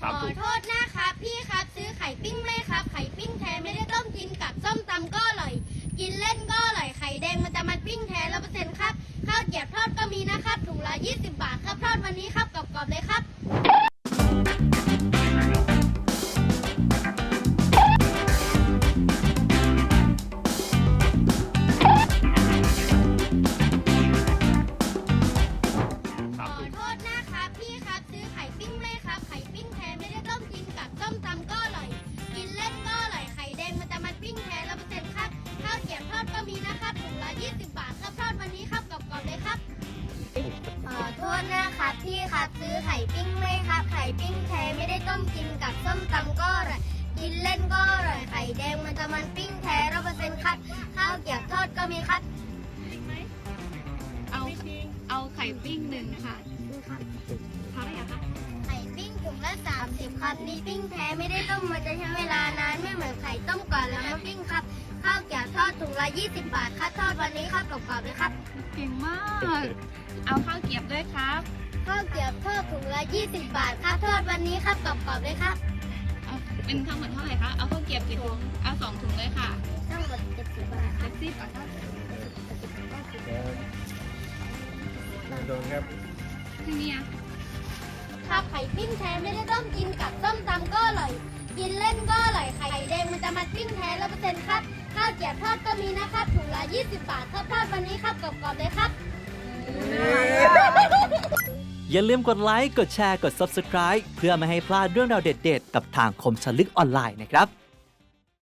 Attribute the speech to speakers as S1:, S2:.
S1: ขอโทษนะครับพี่ครับซื้อไข่ปิ้งไหมครับไข่ปิ้งแท้ไม่ได้ต้มกินกับส้มตำก็อร่อยกินเล่นก็อร่อยไข่แดงมันจะมันปิ้งแท้100%ครับข้าวเกรี๊ยวทอดก็มีนะครับถุงละ20 บาทครับทอดวันนี้ครับกรอบๆเลยครับ ขอโทษนะครับพี่ครับซื้อไข่ปิ้งไหมครับไข่ปิ้งแท้ไม่ได้ต้มกินกับส้มตำก็อร่อยกินเล่นก็อร่อยไข่แดงมันจะมันปิ้งแท้100%ครับข้าวเกรี๊ยวทอดก็มีนะครับถุงละ20 บาทครับทอดวันนี้ครับกรอบๆเลยครับขอโทษนะครับพี่ครับซื้อไข่ปิ้งไหมครับไข่ปิ้งแท้ไม่ได้ต้มกินกับส้มตำก็อร่อยกินเล่นก็อร่อยไข่แดงมันจะมันปิ้งแท้100%ครับข้าวเกรี๊ยวทอดก็มีครับ
S2: เอาไข่ปิ้งหนึ่งค่ะเท่าไหร่อะคะ
S1: ไข่ปิ้งถุงละ30ครับนี่ปิ้งแท้ไม่ได้ต้มมันจะใช้เวลานานไม่เหมือนไข่ต้มก่อนแล้วมาปิ้งครับข้าวเกรี๊ยวทอดถุงละ20 บาทครับทอดวันนี้ครับกรอบๆเลยครับ
S2: เก่งมาก เอาข้าวเกรี๊ยวด้วยครับ
S1: ข้าวเกรี๊ยวทอดถุงละ20 บาทครับทอดวันนี้ครับกรอบๆเลยครับ
S2: เอาเป็นทั้งหมดเท่าไหร่คะ เอาข้าวเกรี๊ยวกี่ถุง เอา2 ถุงเลยค่ะ
S1: ทั้งหมด70 บาท
S2: 70บาทครับ
S3: โดนครับ
S2: ที่นี่อะ
S1: ครับไข่ปิ้งแท้ไม่ได้ต้มกินกับส้มตำก็อร่อยกินเล่นก็อร่อยไข่แดงมันจะมาปิ้งแท้100%ครับข้าวเกรี๊ยวทอดก็มีนะครับถุงละ20 บาทครับทอดวันนี้ครับกรอบๆเลยครับ
S4: อย่าลืมกดไลค์ กดแชร์ กด Subscribe เพื่อไม่ให้พลาดเรื่องราวเด็ดๆ กับทางคมชลึกออนไลน์นะครับ